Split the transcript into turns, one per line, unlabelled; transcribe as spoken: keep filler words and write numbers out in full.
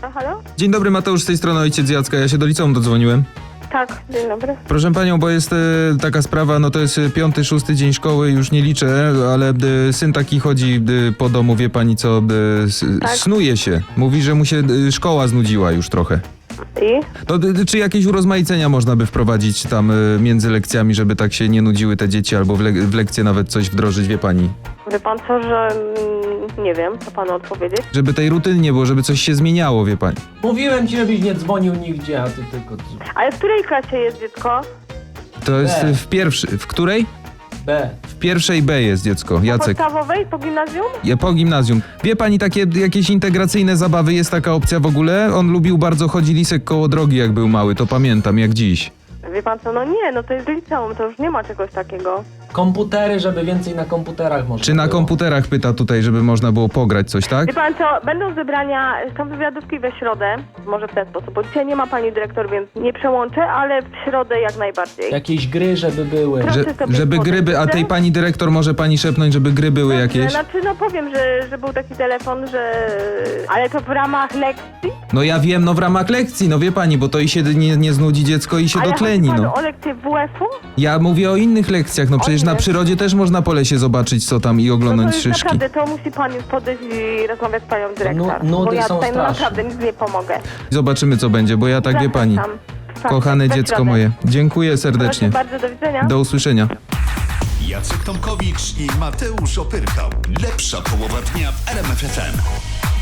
A, halo?
Dzień dobry, Mateusz z tej strony, ojciec Jacka. Ja się do liceum dodzwoniłem.
Tak, dzień dobry.
Proszę panią, bo jest e, taka sprawa, no to jest e, piąty, szósty dzień szkoły, już nie liczę, ale e, syn taki chodzi e, po domu, wie pani co, e, s,
Tak.
snuje się. Mówi, że mu się e, szkoła znudziła już trochę.
I?
To, e, czy jakieś urozmaicenia można by wprowadzić tam e, między lekcjami, żeby tak się nie nudziły te dzieci, albo w, le, w lekcje nawet coś wdrożyć, wie pani?
Wie pan co, że... mm, nie wiem, co panu odpowiedzieć.
Żeby tej rutyny nie było, żeby coś się zmieniało, wie pani.
Mówiłem ci, żebyś nie dzwonił nigdzie, a ty tylko...
Ale w której klasie jest dziecko?
To jest
B.
e, w pierwszy, w której?
B.
W pierwszej B jest dziecko,
Po
Jacek.
podstawowej? Po gimnazjum?
Ja po gimnazjum. Wie pani, takie jakieś integracyjne zabawy, jest taka opcja w ogóle? On lubił bardzo chodzić lisek koło drogi, jak był mały, to pamiętam, jak dziś.
Wie pan co, no nie, no to jest liceum, to już nie ma czegoś takiego.
Komputery, żeby więcej na komputerach można
Czy na
było.
komputerach pyta tutaj, żeby można było pograć coś, tak?
Wie pan co, będą zebrania, są wywiadówki we środę, może w ten sposób, bo dzisiaj nie ma pani dyrektor, więc nie przełączę, ale w środę jak najbardziej.
Jakieś gry, żeby były.
Proszę
Że,
sobie
żeby
podać,
gry, by- a
dobrze?
tej pani dyrektor może pani szepnąć, żeby gry były
Dobrze,
jakieś?
Znaczy, no powiem, że, że był taki telefon, że... Ale to w ramach lekcji?
No ja wiem, no w ramach lekcji, no wie pani, bo to i się nie, nie znudzi dziecko i się
Ale
dotleni,
chodzi panu
no.
o lekcję W F-u?
Ja mówię o innych lekcjach, no przecież na
innych.
przyrodzie też można po lesie zobaczyć co tam i
No to
oglądać
już
szyszki.
naprawdę, to musi pan podejść i rozmawiać z panią dyrektor.
Nu- nudy
bo ja
są
tutaj no,
straszne.
naprawdę nic nie pomogę.
Zobaczymy co będzie, bo ja tak wie pani.
Zapraszam. Tak,
Kochane
we
dziecko
środę.
moje, dziękuję serdecznie.
Proszę bardzo, do widzenia.
Do usłyszenia.
Jacek Tomkowicz i Mateusz Opyrchał. Lepsza połowa dnia w R M F F M.